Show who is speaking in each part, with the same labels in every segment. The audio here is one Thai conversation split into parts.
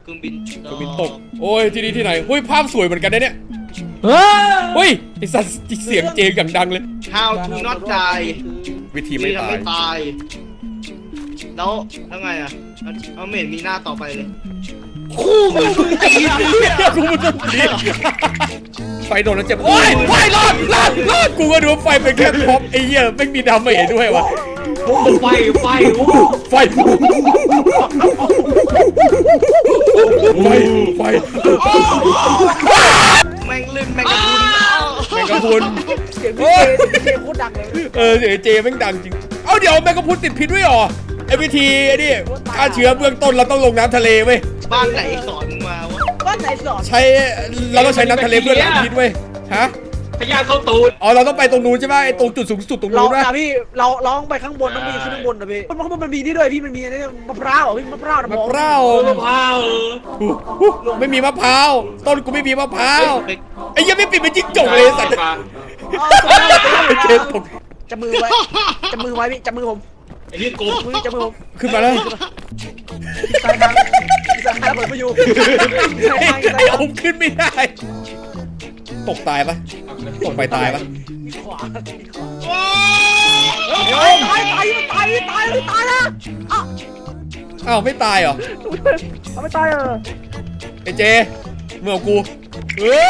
Speaker 1: รื่องบิน
Speaker 2: ตกโอ้ยที่นี่ที่ไหนเฮ้ยภาพสวยเหมือนกันนะเนี่ยเฮ้ยไอสัตว์เสียงเจงอย่างดังเลย
Speaker 1: How to not die
Speaker 2: วิธีไม่ตาย
Speaker 1: ตายแล้วไงอ่ะเอาเหม็นมีหน้าต่อไปเลยคู่มือไอ้เหี้ย
Speaker 2: กูมันต้องดีไฟโดนแล้วเจ็บโอ้ยไฟรอดกูก็ดูว่าไฟเป็นแค่ท็อปไอ้เหี้ยไม่มีดาเมจด้วยวะ
Speaker 3: ไฟ
Speaker 2: ไฟ
Speaker 1: แม่งลื่นแม่งกระพุน
Speaker 4: เสียงพี่เจโคตรดังเลย
Speaker 2: เสียงเจแม่งดังจริงเอาเดี๋ยวแมงกะพรุนติดพิษด้วยหรอไอ้วิธีไอ้นี่ฆ่าเชื้อเบื้องต้นเราต้องลงน้ำทะเลเว้ย
Speaker 1: บ้านไหนสอนมาวะ
Speaker 4: บ้านไหนสอน
Speaker 2: ใช้เราต้องใช้น้ำทะเลเพื่อล้างพิษเว้ยฮะ
Speaker 3: พยาเข้าตูด
Speaker 2: อ๋อเราต้องไปตรงนู้นใช่ไหมไอ้ตรงจุดสูงสุดตรง
Speaker 4: เรา
Speaker 2: นู้นนะ
Speaker 4: พี่เราร้องไปข้างบนต้องมีขึ้นข้างบนนะพี่มันมีนี่ด้วยพี่มันมีนี่มะพร้าวพี่มะพร้าว
Speaker 2: มะพร้าว
Speaker 3: มะพร้าว
Speaker 2: ไม่มีมะพร้าวต้นกูไม่มีมะพร้าวไอ้ยังไม่ปิดเป็นจิ้งจกเลยสัตว์เจตก
Speaker 4: จับมือไว้พี่จับมือผม
Speaker 3: ไอ้นี่กู
Speaker 4: จับมือผม
Speaker 2: ขึ้นมาแล้ว
Speaker 4: สายทางเปิดไปอยู่
Speaker 2: ไอ้ผมขึ้นไม่ได้ตกตายปะตกไปตายปะ
Speaker 4: ขวาตายนะ
Speaker 2: อ้าวไม่ตายเหรอ
Speaker 4: เอาไม่ตาย
Speaker 2: ไอ้เจเมื่อกูเฮ้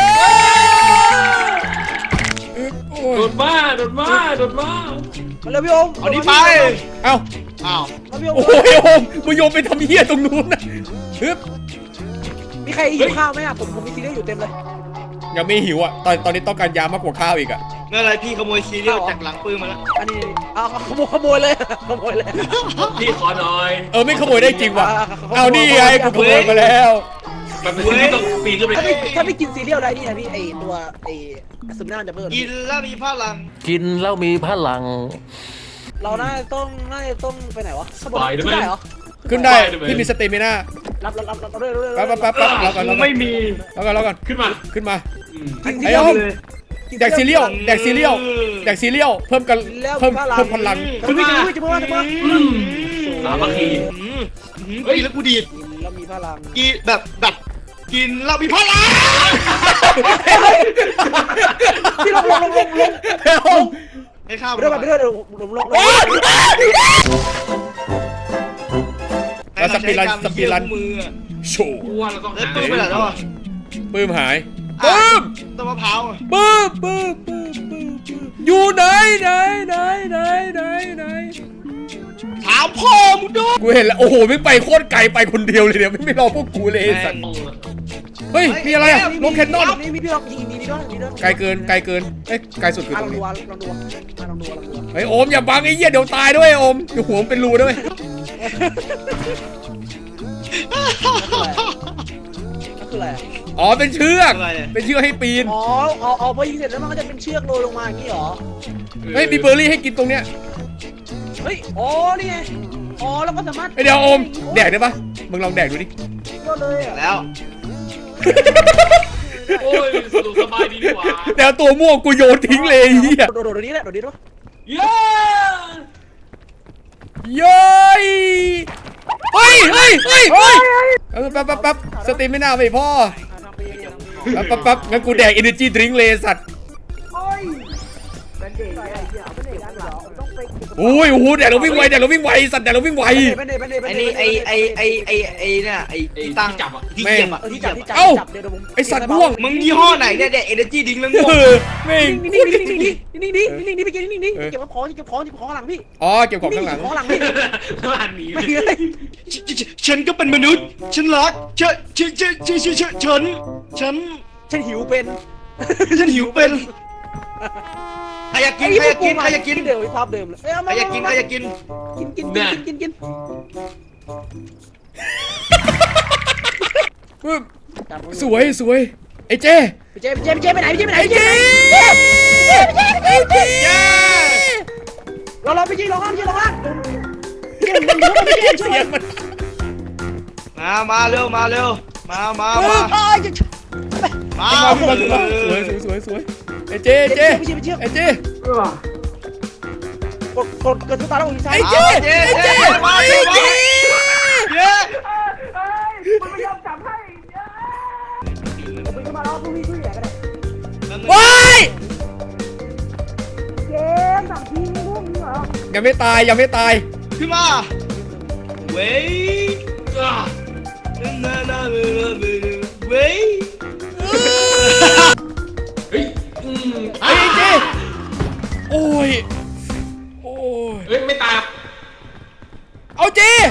Speaker 2: ย
Speaker 3: โดดมา
Speaker 4: มาเลยพี่โอม
Speaker 1: เอานี่ไป
Speaker 2: เอ้า
Speaker 1: อ้าว
Speaker 4: มาพี่โอม
Speaker 2: โอ้ยโอมมึงโยนไปทำเหี้ยตรงนู้นนะฮึบ
Speaker 4: มีใครหิวข้าวไหมอ่ะผมมีซีเรียลอยู่เต็มเลย
Speaker 2: ยังไม่หิวอ่ะตอนนี้ต้องการยามากกว่าข้าวอีกอ่ะ
Speaker 1: เมื่อไรพี่ขโมยซีเรียลจากหลังปืนมาแล้ว
Speaker 4: อันนี้เอาขโมยเลย
Speaker 3: พี่ขอหน่อย
Speaker 2: ไม่ขโมยได้จริงว่ะเอานี่ไงกูขโมยมาแล้ว
Speaker 3: มันเป็นที่ต้องปีนขึ้นไป
Speaker 4: ถ้าไม่กินซีเรียลอะไรนี่นะพี่ไอตัวไอซึมหน้าจะเพิ่ม
Speaker 1: กินแล้วมีพลัง
Speaker 5: กินแล้วมีพลัง
Speaker 4: เราน่าจะต้องไปไหนวะได้เหรอ
Speaker 2: ขึ้นได้พี่มีสเตมิน่า
Speaker 4: รับเรื่อย
Speaker 2: แป๊บเราก่อน
Speaker 3: ไม่มี
Speaker 2: เราก่อน
Speaker 3: ขึ้นมา
Speaker 2: ไอ้โอมแดกซีเรียลเพิ่มพลัง
Speaker 4: จะมือ
Speaker 3: สามัคคี
Speaker 1: เฮ้ยแล้วกูดีด
Speaker 4: แล้วมีพลัง
Speaker 1: กินแบบกินแล้วมีพลัง
Speaker 4: ที่ลง
Speaker 1: ให้ข้าว
Speaker 4: ไปด้วยลง
Speaker 2: แล้วสปีรัน
Speaker 1: มือ
Speaker 2: โชว์
Speaker 3: กูว่าเราต้อง
Speaker 1: แล้ว
Speaker 3: หา
Speaker 1: ปืนไปไหนแล้วอ่ะ
Speaker 2: ปื้มหาย
Speaker 1: ต้นมะพร้าว
Speaker 2: ปื้มอยู่ไหน
Speaker 1: ถามพ่อมึงด้วย
Speaker 2: กูเห็นแล้วโอ้โหไม่ไปโคตรไกลไปคนเดียวเลยเนี่ยไม่รอพวกกูเลยสัตว์เฮ้ยมีอะไรอะลงแคนนอน
Speaker 4: นี่พี่ลองยิงนี่ด้วย
Speaker 2: ไกลเกินไกลสุดคือตรงนี้
Speaker 4: ลองดู
Speaker 2: เฮ้ยโอมอย่าบังไอ้เหี้ยเดี๋ยวตายด้วยโอมเดี๋ยวหัวมันเป็นรูด้วย
Speaker 4: คืออะไร
Speaker 2: อ๋อเป็นเชือกให้ปีน
Speaker 4: อ๋อพอยิงเสร็จแล้วมันก็จะเป็นเชือกโรยลงมาอย่างนี้หรอ
Speaker 2: เฮ้ยมีเบอร์รี่ให้กินตรงเนี้ย
Speaker 4: เฮ้ยอ๋อนี่ไงอ๋อแล้วก็สามารถ
Speaker 2: เดี๋ยวโอมแดกได้ปะมึงลองแดกดูดิ
Speaker 4: ก็เลยอ่ะ
Speaker 1: แล้ว
Speaker 3: โอ้ยสะดวกสบายดีกว่า
Speaker 2: แต่ตัวม่วงกูโยนทิ้งเลยเหี้ย
Speaker 4: โดดนี้แหละโดดนี้ด้วย
Speaker 3: เย้
Speaker 2: เย้ยเฮ้ยแป๊บสตรีมไม่น่าไปพ่อแป๊บงั้นกูแดก energy drink เลยสัตว์โอ้โหแดกเราวิ่งไวสัตว์แดกเราวิ่งไว
Speaker 1: ไอ้นี่ไอ้เนี่ยไอ้ตั้ง
Speaker 3: จับอ่ะ
Speaker 1: ที่เกียบอ่ะ
Speaker 4: ที่จับ
Speaker 2: ไอสัตว์ม่วง
Speaker 1: มึงยี่ห้อไหนเนี่ยเด็กเอเนจีดิ้งแล้วง่วง
Speaker 2: แม่ง
Speaker 4: นี่ไปกินนี่เก็บของหลังพี่
Speaker 2: อ๋อเก็บของข้างหลัง
Speaker 4: ของหลังพี่
Speaker 3: ร้านนี้
Speaker 4: ไม่มีอะไร
Speaker 1: ฉันก็เป็นมนุษย์ฉันรักฉันหิวเป็นใครอยากกิน
Speaker 4: เดิมภาพเดิมเลย
Speaker 1: ใครอยากกิน
Speaker 4: กิน
Speaker 2: สวยไอ้เจ
Speaker 4: ไปไหนเราไปยิงลงล่าง
Speaker 2: เสียงมัน
Speaker 1: มาเร็วมา
Speaker 2: สวยไอ้เจ
Speaker 4: กดตัวตาแล้วอีกซ้าย
Speaker 2: ไอ้เจ
Speaker 1: เย้
Speaker 4: มันไม่ยอมจับให้มันจะมาล้อพวกพี่ช่วยเหลือกันเลย
Speaker 2: ว้าย
Speaker 4: เกมสั่งทีมพวกนี้เหรอ
Speaker 2: ยังไม่ตายยังไม่ตาย
Speaker 1: ขึ้นมาเว้ยเว้ย
Speaker 3: เฮ้ย
Speaker 2: ไอ้เจ๊โอ้ยโอ้ย
Speaker 3: เฮ้ยไม่ตาย
Speaker 2: เอาเจ๊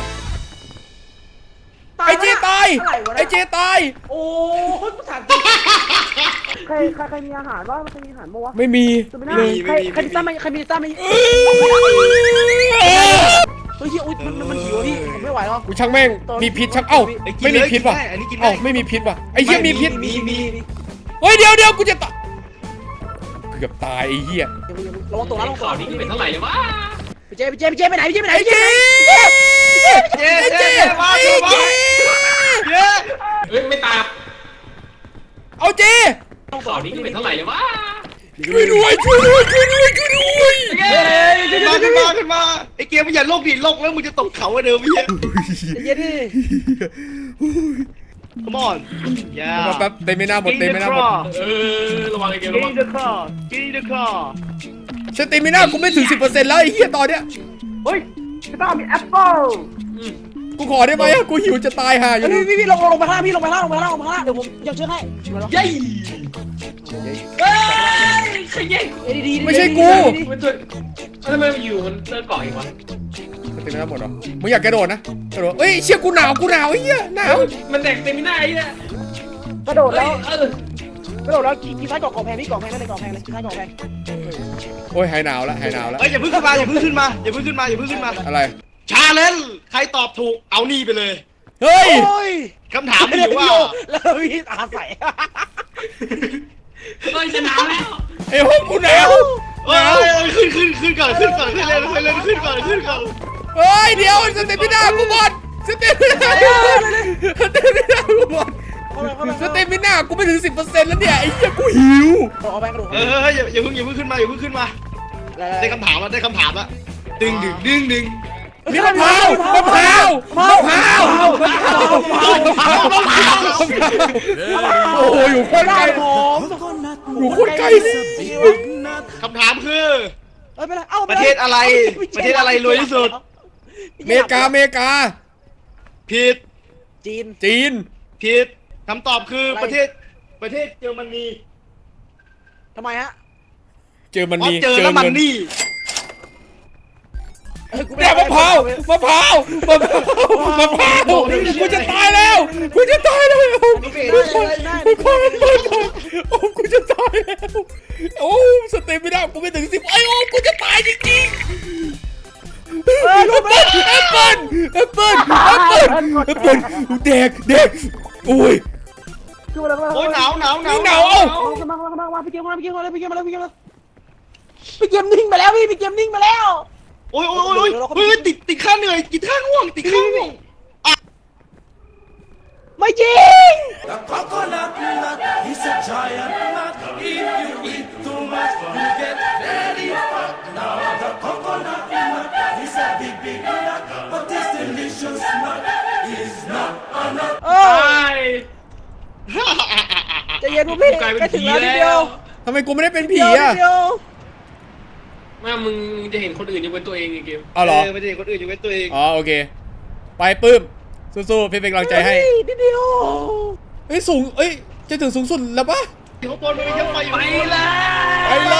Speaker 2: ไอ้เจ๊ตายไอ้เจ๊ตาย
Speaker 4: โอ้ยกูถามจริงใครมีอาหารบ้างใครมีอาหารบ้างวะ
Speaker 2: ไม่มี
Speaker 4: ไม่น่าใครมีซ่าไหมใครมีซ่าไหมเฮ้ยอุ้ยมันหิวพี่ผมไม่ไหวแล้ว
Speaker 2: กูช่างแม่งมีพิษช่างเอ้าไม่มีพิษว่ะ
Speaker 1: อันนี้กิน
Speaker 2: เอ้า
Speaker 1: ได้
Speaker 2: ไม่มีพิษว่ะไอ้เหี้ยมีพิษ
Speaker 1: มี
Speaker 2: เฮ้ยเดี๋ยวกูจะตายเกือบตายไอ้เหี้ย
Speaker 4: ระวังตัวนะระวัง
Speaker 3: ข่าวนี้เป็นเท่าไหร่วะ
Speaker 4: ไปเจ๊ไปไหนไปไหน
Speaker 2: ไอ้เจ๊
Speaker 1: เจ๊
Speaker 2: ไอ้
Speaker 1: เจ๊
Speaker 2: เจ๊
Speaker 1: มา
Speaker 2: ไอ้
Speaker 1: เจ๊มา
Speaker 2: เจ๊
Speaker 1: เจ๊
Speaker 3: เฮ้ยไม่ตาย
Speaker 2: เอาเจ๊
Speaker 3: ข่าวนี้เป็นเท่าไหร่วะ
Speaker 2: ช่วยด้วยช่วยด้วยช่วยด้วยช่วยด้วย
Speaker 1: ขึ้นมาไอ้เกมมันอย่าโลกดิโลกแล้วมึงจะตกเขาอะเดิมพี่
Speaker 4: เย็นดิ
Speaker 1: Come on อย่า
Speaker 2: มาแป๊บเต็มไม่น่าหมดเต็มไม่น่าหมด
Speaker 3: ระวังไอ้เกมระวัง
Speaker 1: Get in the car Get in the car
Speaker 2: สเต็มไม่น่ากูไม่ถึง 10%แล้วไอ้เหี้ยตอนเนี้ย
Speaker 4: เฮ้ยต้องมีแอปเปิ้ล
Speaker 2: กูขอได้ไหมอะกูหิวจะตายห่าอยู่
Speaker 4: พี่ลงไปข้างล่างพี่ลงไปข้างล่างเดี๋ยวผมยังช่วยให้
Speaker 3: เย้เฮ้ยขยัน
Speaker 4: ดี
Speaker 2: ไม่ใช่กู
Speaker 3: มันตัวทำไมมันอยู่มันเลิกเกาะอีกวะ
Speaker 2: สเต็มไม่น่าหมดหรอมึงอยากกระโดดนะกระโดดเอ้ยเชี่ยกูหนาวไอ้เหี้ยหนาว
Speaker 3: มันแตกเต็มไม่ได้เนี่ย
Speaker 4: กระโดดแล้วกินซ้ายกล่องแพงพี่กล่องแพงนั่นเลยกล่องแพงเลยกินซ้ายกล่องแพง
Speaker 2: โอ้ยหายหนาวแล้ว
Speaker 1: เอ้ยอย่าเพิ่งขึ้นมาอย่าเพิ่งขึ้นมา
Speaker 2: อะไร
Speaker 1: ชาเลนจ์ใครตอบถูกเอานี่ไปเลย
Speaker 2: เฮ้ย
Speaker 4: โอ้ย
Speaker 1: คำถามมีอยู่ว่า
Speaker 4: แล้วพี่ตาใส
Speaker 3: เฮ้ยชนะแล้ว
Speaker 2: ไอ้ห้องกูหนาว
Speaker 1: เอ้ยขึ้นก่อนขึ้นก่อนขึ้นก่อน
Speaker 2: เฮ้ยเดี๋ยวสเต็มไม่น่ากูหมดสเต็มไม่น่ากูหมดสเต็มไม่น่ากูไม่ถึง 10%แล้วเนี่ยไอ้เหี้ยกูหิว
Speaker 4: กล่องแพงกระโดด
Speaker 1: เฮ้ยอย่าเพิ่งขึ้นมาได้คำถามละดึง
Speaker 2: มีมะพร้าวโอ้โหอยู่โคตรไกล
Speaker 4: ผม
Speaker 2: อยู่โคตรไกลเลย
Speaker 1: คำถามคือ
Speaker 4: เอ้ยไปเลยเอ้า
Speaker 1: ประเทศอะไรรวยที่สุด
Speaker 2: เมกา
Speaker 1: ผิด
Speaker 4: จีน
Speaker 1: ผิดคำตอบคือประเทศเยอรมนี
Speaker 4: ทำไมฮะ
Speaker 2: เจอมัน
Speaker 1: เพราะ
Speaker 2: นี่
Speaker 1: เจอแล้วมันนี่
Speaker 2: เนี่ยมะพร้าวกูจะตายแล้วทุกคนโอ้กูจะตายแล้วโอ้สเต็มไม่ได้กูไม่ถึง10ไอ้โอ้กูจะตายจริงๆแอปเปิ้ลแดกโอ้ย
Speaker 4: คืออะไร
Speaker 1: โอ้ยหนาว
Speaker 2: หนาวเอ้า
Speaker 4: มาพี่เกมมาพี่เกมนิ่งไปแล้วพี่เกมนิ่งไปแล้ว
Speaker 1: โอ้ยติดข้าเหนื่อยติดข้าง่วง
Speaker 4: ไม่จริง
Speaker 6: The coconut nut is a giant nut. If you eat too much, you get very fat. Now the coconut nut is a big nut, but this delicious nut is not a nut.
Speaker 4: จะเย็นพวกพี่แค่ถึงแล้วนิดเดียว
Speaker 2: ทำไมกูไม่ได้เป็นผีอ่ะ
Speaker 3: แม่มึงจะเห็นคนอื่นอยู่เป็นตัวเองไอ้เกม
Speaker 2: เอาเหรอ
Speaker 1: ไม่ได้คนอื่นอยู่เป็นตัวเอง
Speaker 2: อ๋อโอเคไปปื้มสู้ๆพี่เป็นกำลังใจให้
Speaker 4: นิดเดียว
Speaker 2: เอ้ยสูงเอ้ยจะถึงสูงสุดแล้วปะ
Speaker 1: ข้างบนมันมีเยอะไฟอยู่
Speaker 3: ไปเลย
Speaker 2: ไปเลย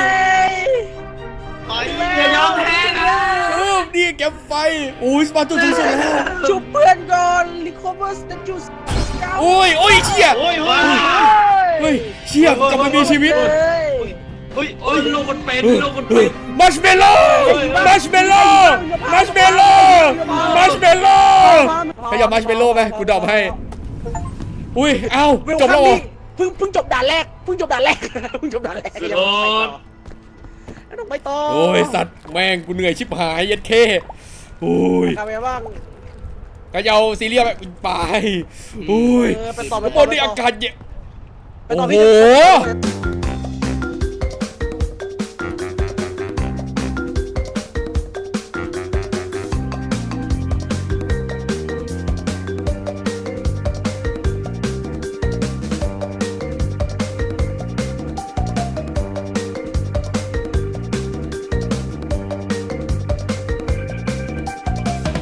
Speaker 3: อย่ายอมแพ้นะ
Speaker 2: นี่แกมไฟโอ้ยสปาร์ตุสูงสุดแล้ว
Speaker 4: ชุบเพื่อนก่อนลิคอเวอร์สเตจูส
Speaker 2: โอ้ยเชี่ยเฮ้ยเชี่ยกลับมามีชีวิต
Speaker 1: เฮ้ย
Speaker 3: โอ้ยโลกคนเป็น
Speaker 2: มัชเมลโล่ขยับมัชเมลโล่ไหมกูดรอปให้อุ้ยเอ้าจบแล้วเหรอ
Speaker 4: เพิ่งจบด่านแรกต้องไปต่อ
Speaker 2: โอ้ยสัตว์แม่งกูเหนื่อยชิบหายยัดเข้โอ้ย
Speaker 4: ทำไงบ้าง
Speaker 2: ก็จะเอาซีเรียสแบบไปโอ้ย
Speaker 4: ไปต่อ
Speaker 2: ข้างบนนี่อากาศเย็น
Speaker 4: ไปต่อ
Speaker 2: โอ้โห
Speaker 4: พี่